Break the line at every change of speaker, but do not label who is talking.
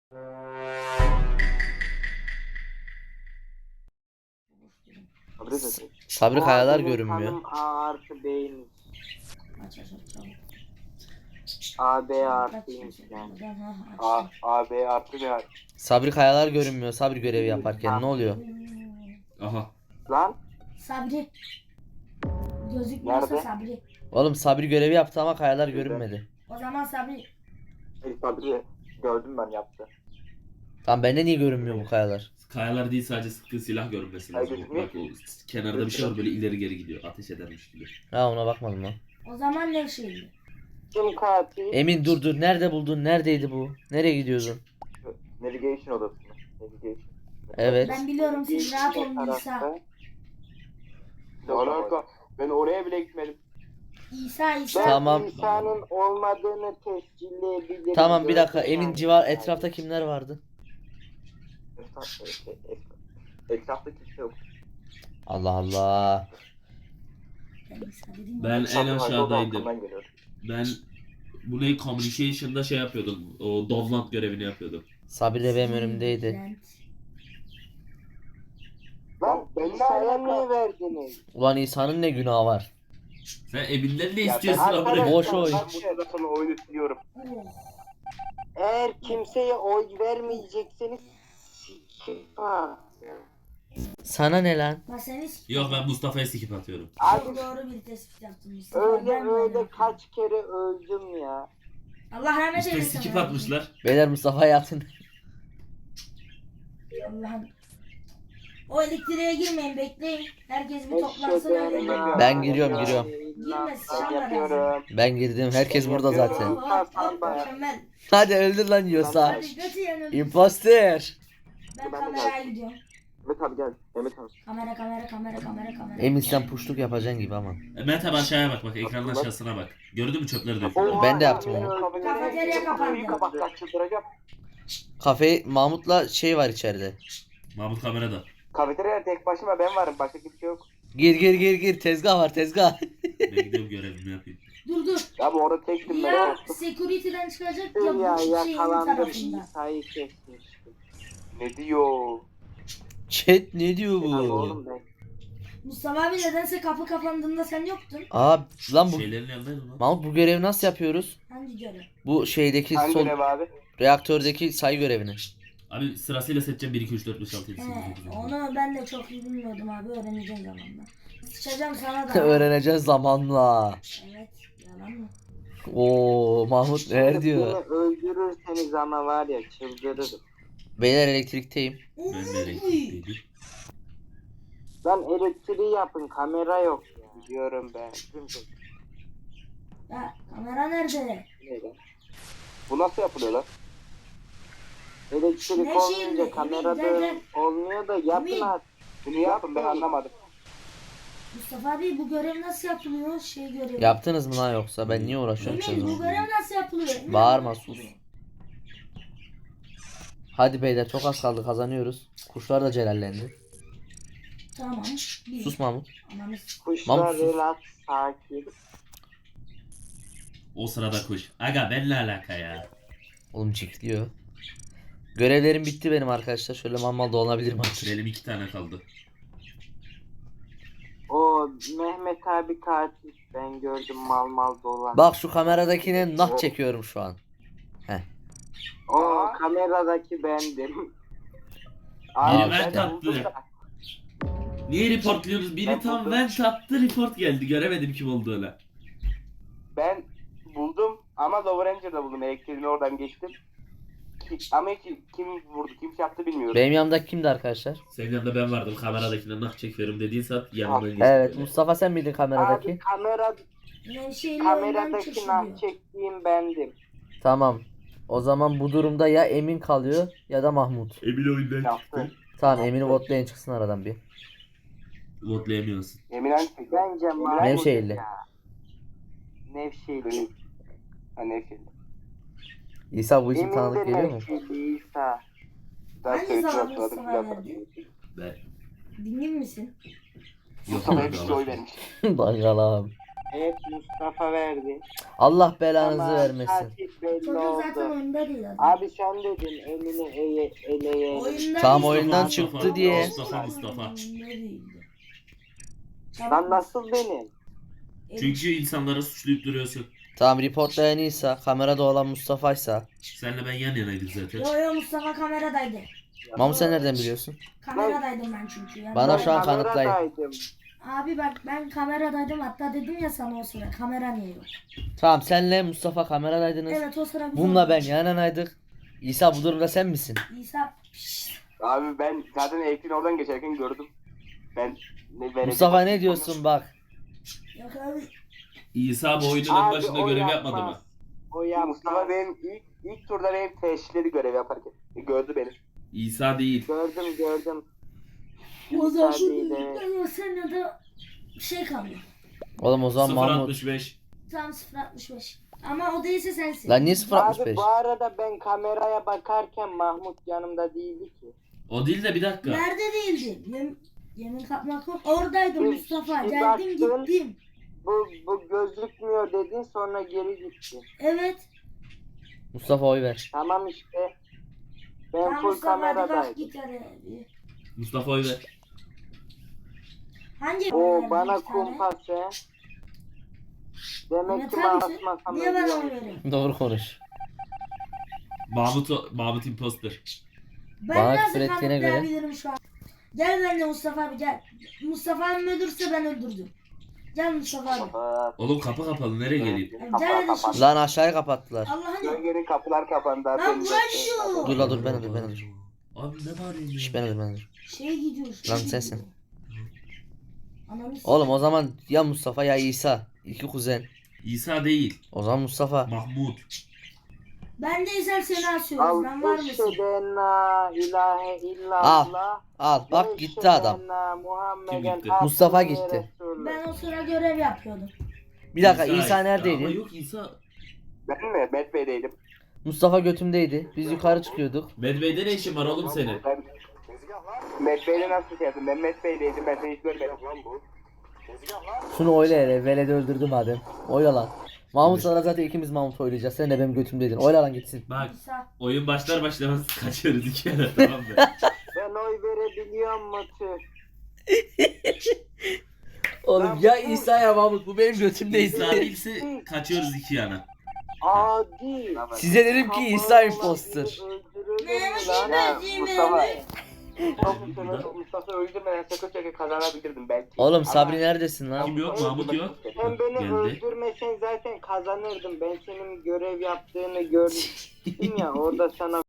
Sabri Kayalar
Benim
görünmüyor.
kanım A artı B'ymiş.
Aç çabuk.
A B
Aç
artıymış yani.
A, B artı ne?
Sabri Kayalar görünmüyor. Sabri görevi yaparken ne oluyor?
Aha.
Lan
Sabri. Gözükmüyorsa
Nerede?
Sabri.
Oğlum Sabri görevi yaptı ama Kayalar görünmedi.
O zaman Sabri.
Sabri gördüm ben yaptı.
Lan bende niye görünmüyor bu Kayalar?
Kayalar değil, sadece sıktığı silah görünmesi lazım. Bak o kenarda bir şey var, böyle ileri geri gidiyor. Ateş edermiş gibi.
Ha, ona bakmadım lan.
O zaman ne şeydi?
kim katil?
Emin dur. Nerede buldun? Neredeydi bu? Nereye gidiyordun?
Navigation odası mı? Navigation.
Evet.
Ben biliyorum, siz rahat olun
Tarafta.
İsa.
Ne alaka? Ben oraya bile gitmedim.
İsa.
Ben
Tamam.
İsa'nın olmadığını tescilleyebilirim.
Tamam bir dakika.
Gördüm
Emin
yani.
civar etrafta kimler vardı?
Etrafta kimse yok.
Allah Allah.
Ben İsa dedim.
Ben en
Sabri
aşağıdaydım.
arkamdan geliyor.
Ben bu ne, communication'da şey yapıyordum. O Dovland görevini yapıyordum.
Sabri de benim önümdeydi.
Lan
Ben ne
İsa'ya
alaka?
niye verdiniz?
Ulan İsa'nın ne günahı var?
Sen Emin'den ne
Ya
istiyorsun
ben-
amına?
Boş oy.
Ben bu sırada sonra oyunu siliyorum.
Oh.
Eğer kimseye oy vermeyecekseniz ha.
Sana ne lan?
Bak seni
Yok, ben Mustafa'ya skip atıyorum.
Abi
doğru bir tespit yaptım. Mustafa.
öyle
Ben
öyle kaç kere öldüm ya.
Allah rahmet
İşte
eylesin.
skip
abi.
atmışlar.
Beyler Mustafa'ya atın.
Allah'ım. O elektriğe girmeyin, bekleyin. Herkes bir toplansın öyle.
Ben
Ben giriyorum.
Girme, sıçanlar
yapıyorum.
Ben girdim. Herkes burada zaten.
Mükemmel.
Hadi öldür lan yiyorsa.
Hadi götü yanıyor.
Imposter.
Ben kameraya gidiyorum.
Mehmet abi gel. Mehmet abi.
Kamera.
Emin sen puşluk yapacaksın gibi ama.
Mehmet abi aşağıya bak, ekranın aşağısına bak. Gördün mü çöpleri döküyor?
Ben de yaptım onu.
Kafeterya kapandı.
Kapatlar çıldıracağım.
Kafe Mahmut'la şey var içeride.
Mahmut kamerada.
Kafeteryada tek başıma ben varım. Başka kimse yok.
Gir. Tezgah var tezgah.
Ben gidiyorum, görevimi yapayım.
Dur.
Ya bu orada tektim ben.
Ya security'den çıkacak ya
Ya
bu şeyin
yakalandım.
tarafında.
İsa'yı kesmiştim.
Ne diyor?
Chat ne diyor
Oğlum
bu?
ben.
Mustafa abi nedense kapı kapandığında sen yoktun.
Aa lan bu
Şeylerin yanındaydım lan.
Mahmut bu görevi nasıl yapıyoruz?
Hangi görev?
Bu şeydeki
Hangi
sol
görev abi?
reaktördeki sayı görevini.
Abi sırasıyla seçeceğim 1, 2, 3, 4, 5, 6, 7, 8,
He,
9, 10.
onu ben de çok iyi bilmiyordum abi, öğreneceğim zamanla. Sıçacağım sana da.
Öğreneceğiz zamanla.
Evet, yalan mı?
Oo Mahmut neler diyor?
Beni öldürürseniz ama var ya çıldırırım.
Beyler elektrikteyim.
Ben de elektrikteydim.
Lan elektriği yapın, kamera yok ya. Diyorum ben.
Ya kamera nerede?
Ne lan? Bu nasıl yapılıyor lan?
Elektrik
Ne
olmayınca
şimdi?
kamerada
Emin,
olmuyor da yapın
Emin.
artık.
Bunu yapın ben anlamadım.
Mustafa abi bu görev nasıl yapılıyor? Şey görevi.
Yaptınız mı lan yoksa ben niye uğraşıyorum
Emin bu
çözüm?
görev nasıl yapılıyor? Emin,
Bağırma sus. Hadi beyler çok az kaldı kazanıyoruz. Kuşlar da celallendi.
Tamam. Bir.
Sus Mahmut.
Ananız.
Kuşlar
Mahmut sus.
relax, sakin.
O sırada kuş. Aga benimle alaka ya.
Oğlum çiftliyor. Görevlerim bitti benim arkadaşlar. Şöyle mal dolanabilirim artık.
Benim 2 tane kaldı.
O Mehmet abi katil. Ben gördüm mal dolan.
Bak şu kameradakine nah çekiyorum şu an.
O kameradaki bendim.
Biri
işte.
vent attı. Niye reportluyorsunuz? Biri tam vent attı, report geldi. Göremedim kim olduğunu.
Ben buldum ama Lower Ranger'da buldum. Elektriğini oradan geçtim. Ama hiç kim vurdu, kim şey yaptı bilmiyorum.
Benim yanımdaki kimdi arkadaşlar?
Senin yanında ben vardım. Kameradakine nah çekiyorum dediğin saat yanından geçti.
Evet
böyle.
Mustafa sen miydin
Abi
kameradaki?
Nevşehir'le
kameradaki
oyundan
nah
çıkıyor.
çektiğim bendim.
Tamam. O zaman bu durumda ya Emin kalıyor ya da Mahmut.
Emin oyundan
Yaptı.
çıktı.
Tamam Emin'i votlayın çıksın aradan bir.
Votlayamıyorsun.
Eminen çekti.
Bence Mahmut
Nevşehirli.
ya. Nevşehirli.
Ha neyse.
İsa bu isim
Emin
tanıdık
de
geliyor mu?
Nevşehirli İsa.
Daha
Hangi
söylediler
zaman
sonra
Mustafa
filan.
verdi?
Ben...
Dingin misin?
Yok
Mustafa'ya
abi,
bir şey
Allah
oy
aşkına.
vermiş.
Bakalım.
Evet Mustafa verdi.
Allah belanızı
Ama
vermesin.
katil belli
Çocuk zaten
oldu.
oyunda değil adam.
Abi sen dedin elini eleye.
Oyunda
Tam
değil.
oyundan
Mustafa,
çıktı diye.
Mustafa.
Oyunda değildi.
Lan nasıl benim?
Çünkü insanlara suçlayıp duruyorsun.
Tamam reportlayan İsa, kamerada olan Mustafa'ysa.
Senle ben yan yanaydık zaten.
Yo Mustafa kameradaydı.
Mahmut sen nereden biliyorsun?
Kameradaydım ben çünkü. Yani
Bana
ben-
şu an kanıtlayın.
kameradaydım.
Abi bak ben kameradaydım hatta dedim ya sana o sıra kamera niye yok?
Tamam senle Mustafa kameradaydınız.
Evet o sıra biz
Bununla ben
oynadık.
yan yanaydık. İsa bu durumda sen misin?
İsa
Abi ben zaten elektriğin oradan geçerken gördüm. Ben
Mustafa ne diyorsun bak.
yok abi.
İsa bu oyunun en
Abi,
başında
o
görev
yapmaz.
yapmadı mı?
O yapmaz.
Mustafa benim ilk turda benim teşhisleri görev yaparken gördü beni.
İsa değil.
Gördüm.
O zaman
İsa değil, evet.
o sene de şey kalıyor.
Oğlum o zaman Mahmut.
0.65.
Tam 0.65. Ama o değilse sensin.
Lan niye
Abi
0.65?
bu arada ben kameraya bakarken Mahmut yanımda değildi ki.
O değil de bir dakika.
Nerede değildi? Yemin kapmak yok. Oradaydım
Bir-
Mustafa.
bir
Geldim
baktın.
gittim.
Bu gözükmüyor dedin sonra geri gitti.
Evet.
Mustafa oy ver.
Tamam işte. Ben
Tamam
full
Mustafa hadi bak
kameradaydım.
git hadi.
Mustafa oy ver.
Hangi
O bana
bir tane?
kumpas he. Demek
Ahmet
ki
abi,
basmasam
Niye bana
ölüyorum.
oy veriyorsun?
Doğru konuş.
Mahmut imposter.
Ben
Bana
nasıl
küfür ettiğine göre-
kanıtlayabilirim şu an? Gel benimle Mustafa abi gel. Mustafa abi öldürse ben öldürdüm. Gel Mustafa abi.
Aa,
Oğlum kapı kapalı nereye geleyim?
Gel hadi şu.
Lan aşağıya kapattılar.
Allah'ın
Gölgenin kapılar kapandı.
Lan
Benim de-
uğraşıyor.
Dur la dur ben dur.
Abi ne bağırıyorsun?
Şş ben dur.
Şey gidiyor. Şey
Lan
gidiyor.
sensin.
Ananı s-
Oğlum o zaman ya Mustafa ya İsa. İki kuzen.
İsa değil.
O zaman Mustafa.
Mahmut.
Ben de ezel seni asıyoruz. Ben var
Al
mısın?
eşheden la ilahe illallah.
Al bak gitti adam.
Kim gitti?
Mustafa gitti.
Ben o sıra görev yapıyordum.
Bir dakika İsa
Ama
neredeydi?
yok İsa.
Ben mi? Met Bey'deydim.
Mustafa götümdeydi. Biz yukarı çıkıyorduk.
Medbey'de ne işin var oğlum senin?
Ben Met Bey'de nasıl şey yaptım? Ben Met Bey'deydim. Ben seni hiç görmedim.
Şunu oyla hele. Veledi öldürdüm madem. Oyla lan. Mahmut sana zaten ikimiz Mahmut oylayacağız. Sen de benim götümdeydin. Oyla lan gitsin.
Bak
İsa.
oyun başlar başlamaz kaçıyoruz iki yere tamam mı?
Ben oy verebiliyor mu tüh?
Oğlum ya İsa ya Mahmut. Bu benim götümde
İsa değilse kaçıyoruz iki yana.
Adi.
Size dedim ki İsa imposter.
Ya Mustafa.
Burada.
Mustafa öldürmeden sakın çeke kazanabilirdim belki.
Oğlum Sabri
Ama-
neredesin lan?
Kim yok? Mahmut yok.
Sen beni
Geldi.
öldürmesen zaten kazanırdım. Ben senin görev yaptığını gördüm ya orada sana